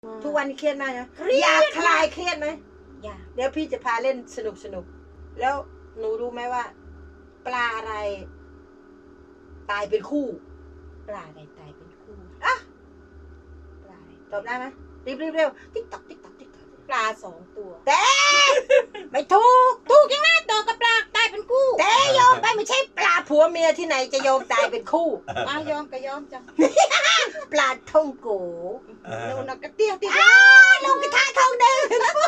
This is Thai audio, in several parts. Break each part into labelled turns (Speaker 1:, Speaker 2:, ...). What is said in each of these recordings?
Speaker 1: ทุกวันนี้เครียดมากนะอยากคลายเครียดไหม
Speaker 2: อยาก
Speaker 1: เดี๋ยวพี่จะพาเล่นสนุกแล้วหนูรู้ไหมว่า ปลาอะไร ตายเป็นคู่
Speaker 2: ปลาอะไรตายเป็นคู่
Speaker 1: อ่ะ
Speaker 2: ปลาอะไร
Speaker 1: ตอบได้ไหมรีบเร็วติ๊กต๊อกติ๊กต๊อกติ๊กต๊อก
Speaker 2: ปลา2 ตัว
Speaker 1: แต่ไม่ถูก
Speaker 2: ถูกยังไงตัวกับปลาตายเป็นคู่
Speaker 1: แต่โยมไปไม่ใช่ปลาผัวเมียที่ไหนจะโยมตายเป็นคู่
Speaker 2: ยอมก็ยอมจ้ะ
Speaker 1: ปลาท่องโก
Speaker 2: นูนกระเตี้ยที่
Speaker 1: ลงกระทะทองแดง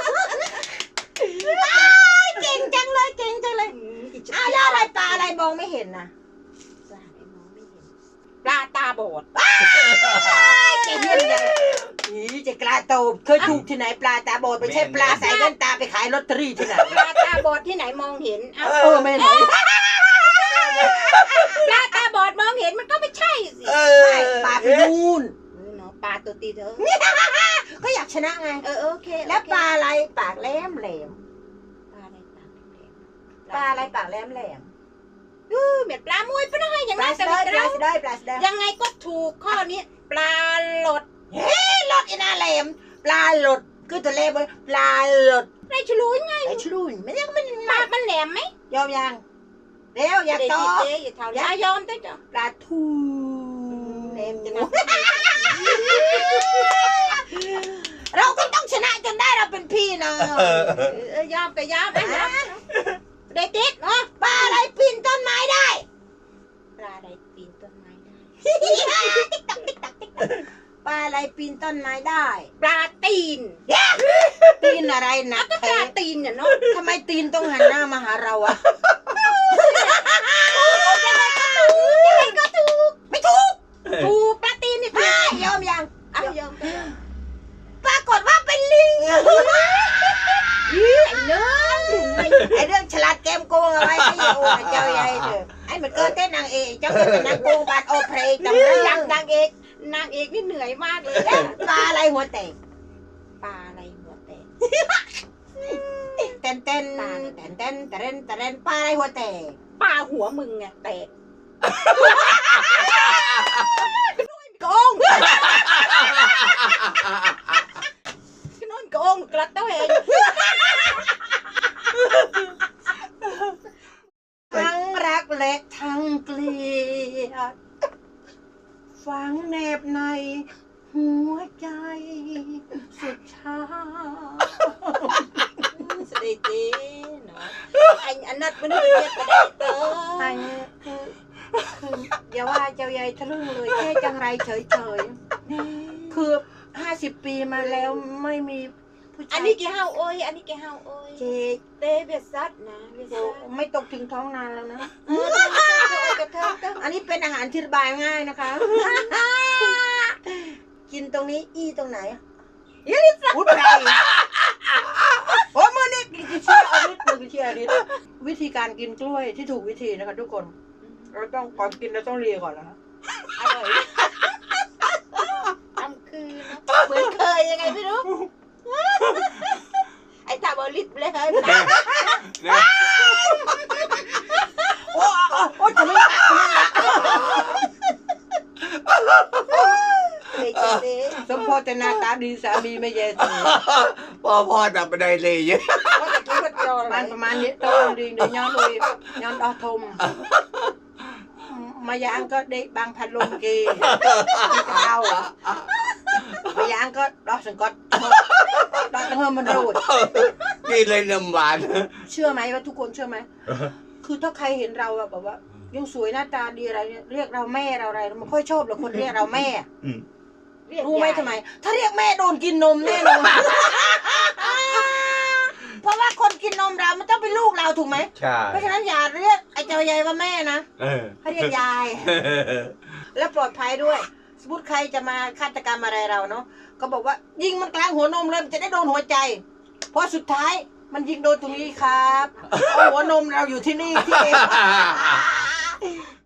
Speaker 1: เก่งจังเลยเก่งจังเลยแล้วอะไรปลาอะไรมองไม่เห็นนะ
Speaker 2: ปลาอะไรมองไม่เห็นปลาตาบอด
Speaker 1: เก่งเยี่ยมเลยจะกล้าโตเคยถูกที่ไหนปลาตาบอดไม่ใช่ปลาใส่แว่นตาไปขายลอตเตอรี่ที่ไหน
Speaker 2: ปลาตาบอดที่ไหนมองเห็น
Speaker 1: ไม่ไหน
Speaker 2: ปลาตาบอดมองเห็นมันก็ไม่ใช่สิ
Speaker 1: ปลาไปนู่น
Speaker 2: เนาะปลาตัวตีเธอ
Speaker 1: ก็อยากชนะไง
Speaker 2: โอเค
Speaker 1: แล้วปลาอะไรปากแหลมแหลม
Speaker 2: ปลาอะไรปลาแหลม
Speaker 1: ปลาอะไรปากแหลมแหลม
Speaker 2: เหมือนปลามวยปะนะอย่าง
Speaker 1: ปลา
Speaker 2: นั้น
Speaker 1: ส
Speaker 2: แต่
Speaker 1: ไล
Speaker 2: ไม่
Speaker 1: ด์ปลา
Speaker 2: เรา
Speaker 1: สไลด์ปลาสไลด์
Speaker 2: ยังไงก็ถูกข้อนี้ปลาหลด
Speaker 1: รถอีน่าแหลมปลาหลดคือตัวเล็กเลยปลาหลด
Speaker 2: ได้ชลูยังไง
Speaker 1: ไอ้ชลุนไม่ยังมัน
Speaker 2: ปากมันแหลมไหม
Speaker 1: ยอมยังเร็วอยากต่อ
Speaker 2: เจ๊อย่าเท่าอย่ายอมได้จ้ะ
Speaker 1: ปลาทู
Speaker 2: แหลมจะนะ
Speaker 1: เราก็ต้องชนะจนได้เราเป็นพี่น้อง
Speaker 2: ยอมก็ยอมได้ได้ติดเนาะ
Speaker 1: ปลาอะไรปีนต้นไม้ได้
Speaker 2: ปลาอะไรปีนต้นไม้ได้
Speaker 1: ปลาอะไรปีนต้นไม้ได้
Speaker 2: ปลาตีน
Speaker 1: ตีนอะไรนะ
Speaker 2: ก็ปลาตีนเนี่ยเนาะ
Speaker 1: ทำไมตีนต้องหันหน้ามาหาเราอะ
Speaker 2: ยังไงก็ถูก
Speaker 1: ไม่ถูก
Speaker 2: ถูกปลาตีนเนี่ยถูก
Speaker 1: ยอมยัง
Speaker 2: ยอมก็ยอม
Speaker 1: ปรากฏว่าเป็นลิง
Speaker 2: ไอ้เนื้อ
Speaker 1: ไอเรื่องฉลาดเกมโกงเอาไว้ให้โอ้เจ้าใหญ่เถอะไอ้มันเกิดเต้นนางเอกเจ้าเป็นนางโกงบาดโอเพลย์จำได้
Speaker 2: อ
Speaker 1: ยั
Speaker 2: ยาง กนางเอกนี่เหนื่อยมากเลย
Speaker 1: ปลาอะไรหัวแตก
Speaker 2: ปลาอะไรหัวแตก
Speaker 1: เต้นเต้นเต้นเต้นเต้นเต้นปลาอะไรหัวแตก
Speaker 2: ปลาหัวมึงไงแตก
Speaker 1: โกง
Speaker 2: ก็นอนโกงกระเต้าเอง
Speaker 1: ทั้งรักและทั้งเกลียดฝังแนบในหัวใจสุดช้า
Speaker 2: สวัสดีเนาะอันนัดมันนี่เรียกก็ได้เตอ
Speaker 1: อันนี้คืออย่าว่าเจ้าใหญ่ทะลึ่งเลยแค่จังไรเฉยๆคือ50 ปีมาแล้วไม่มีผู้ชาย
Speaker 2: อันนี้กี่ห้าวโอ้ยอันนี้กี่ห้าวโอ้ย
Speaker 1: เจ๊ก
Speaker 2: เตเบียซัดนะเบียซัด
Speaker 1: ไม่ตกถึงท้องนานแล้วนะ
Speaker 2: กระเทาะ
Speaker 1: อันนี้เป็นอาหารที่ระบายง่ายนะคะ กินตรงนี้อีตรงไหนอุ้ยไปโอ้ยมือนี่กินเชี่ยอริสมือกินเชี่ยอริสวิธีการกินกล้วยที่ถูกวิธีนะคะทุกคนเราต้องก่อนกินเราต้องเลียก่อนนะคะ
Speaker 2: อร่อยทำคือเหมือนเคยยังไงไม่รู้ไอ้ตาบอลิสเลยเฮ้ย
Speaker 1: โอ้จะไม่สมพอแต่หน้าตาดีสามีไม่แย่สิ
Speaker 3: พ่อดับบันไดเลยเยอะ
Speaker 2: ว่าจะคิดว่าโจร
Speaker 1: มันประมาณนี้โตดีเดี๋ยวย้อนเลยย้อนดอทมมายางก็ได้บางพัดลมกีจะเอามายางก็ดอกสังกัดดอกตั้งเฮิมมันรูด
Speaker 3: นี่เลยน้ำหวาน
Speaker 1: เชื่อไหมว่าทุกคนเชื่อไหมคือถ้าใครเห็นเราแบบว่ายังสวยหน้าตาดีอะไรเนี่ยเรียกเราแม่เราอะไรเราไม่ค่อยชอบหรอกคนเรียกเราแม่รู้ไหมทำไม ถ้าเรียกแม่โดนกินนมแน่นอนเพราะว่าคนกินนมเรามันต้องเป็นลูกเราถูกไหม
Speaker 3: ใช่
Speaker 1: เพราะฉะนั้นอย่าเรียกไอ้เจ้าใหญ่ว่าแม่นะให้เรียกยาย และปลอดภัยด้วยสมมติใครจะมาฆาตกรรมอะไรเราเนาะก็บอกว่ายิงมันกลางหัวนมเลยมันจะได้โดนหัวใจเพราะสุดท้ายมันยิงโดนตรงนี้ครับเอาหัวนมเราอยู่ที่นี่ที่เอง